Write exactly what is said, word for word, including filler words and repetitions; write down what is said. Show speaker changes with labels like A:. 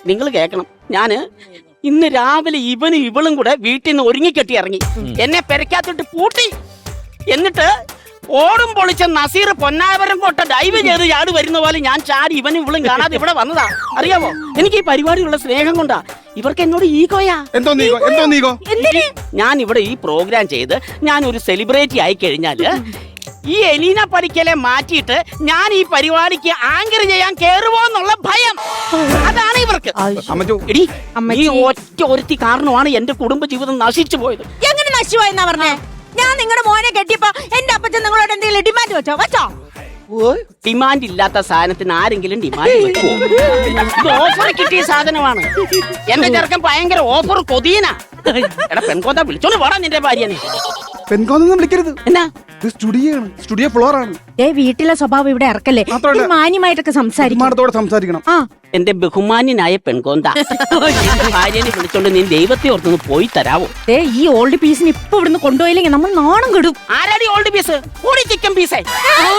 A: നിങ്ങൾ കേൾക്കണം. ഞാന് ഇന്ന് രാവിലെ ഇവനും ഇവളും കൂടെ വീട്ടിൽ നിന്ന് ഒരുങ്ങിക്കെട്ടി ഇറങ്ങി. എന്നെ പെരക്കാത്തിട്ട് പൂട്ടി. എന്നിട്ട് ഓടും പൊളിച്ച നസീർ പൊന്നാവരം കോട്ട ഡൈവ് ചെയ്ത് ചാടി വരുന്ന പോലെ ഞാൻ ചാടി ഇവനും ഇവളും കാണാതെ ഇവിടെ വന്നതാ. അറിയാമോ, എനിക്ക് ഈ പരിപാടിയുള്ള സ്നേഹം കൊണ്ടാ. ഇവർക്ക് എന്നോട് ഈഗോയാ. ഞാൻ ഇവിടെ ഈ പ്രോഗ്രാം ചെയ്ത് ഞാൻ ഒരു സെലിബ്രിറ്റി ആയി കഴിഞ്ഞാല് ഈ എലീന പടിക്കലെ മാറ്റിയിട്ട് ഞാൻ ഈ പരിപാടിക്ക് ആങ്കർ ചെയ്യാൻ കേറുവോ എന്നുള്ള ഭയം. അതാണ് ഇവർക്ക്. എടി, ഈ ഒറ്റ ഒരുത്തി കാരണമാണ് എന്റെ കുടുംബ ജീവിതം നശിച്ചു പോയത്.
B: എങ്ങനെ നശിച്ചുപോയെന്നാ പറഞ്ഞേ? ഞാൻ നിങ്ങളുടെ മോനെ കെട്ടിയപ്പോ എന്റെ അപ്പച്ചൻ നിങ്ങളോട് എന്തെങ്കിലും ഡിമാൻഡ് വെച്ചോ? വെച്ചോ?
A: ഡിമാൻഡ് ഇല്ലാത്ത സാധനത്തിന് ആരെങ്കിലും ഡിമാൻഡ് വെക്കുമോ? ഇത് ഓഫർ കിട്ടിയ സാധനമാണ്. എന്റെ ചെറുക്കൻ ഭയങ്കര ഓഫർ കൊതിയനാ. എടാ പെൺകോന്താ, വിളിച്ചോണ്ട് പോടാ നിന്റെ ഭാര്യനെ.
C: പെൺകോന്നൊന്നും വിളിക്കരുത്.
A: എന്നാ
C: സ്റ്റുഡിയോ ആണ്, സ്റ്റുഡിയോ ഫ്ലോർ ആണ്.
B: ഏ വീട്ടിലെ സ്വഭാവം ഇവിടെ ഇറക്കല്ലേ. മാന്യമായിട്ടൊക്കെ സംസാരിക്കും.
C: സംസാരിക്കണം.
B: ആ
A: എന്റെ ബഹുമാന്യനായ പെൺകോന്ത, ഭാര്യനെ വിളിച്ചോണ്ട് നീ ദൈവത്തെ ഓർത്തൊന്ന് പോയി തരാവോ?
B: ഏ ഈ ഓൾഡ് പീസിന് ഇപ്പൊ ഇവിടുന്ന് കൊണ്ടുപോയില്ലെങ്കിൽ നമ്മൾ നാണം കെടും.
A: ആരാടി ഓൾഡ് പീസ്? കൂടി ചിക്കൻ പീസേ.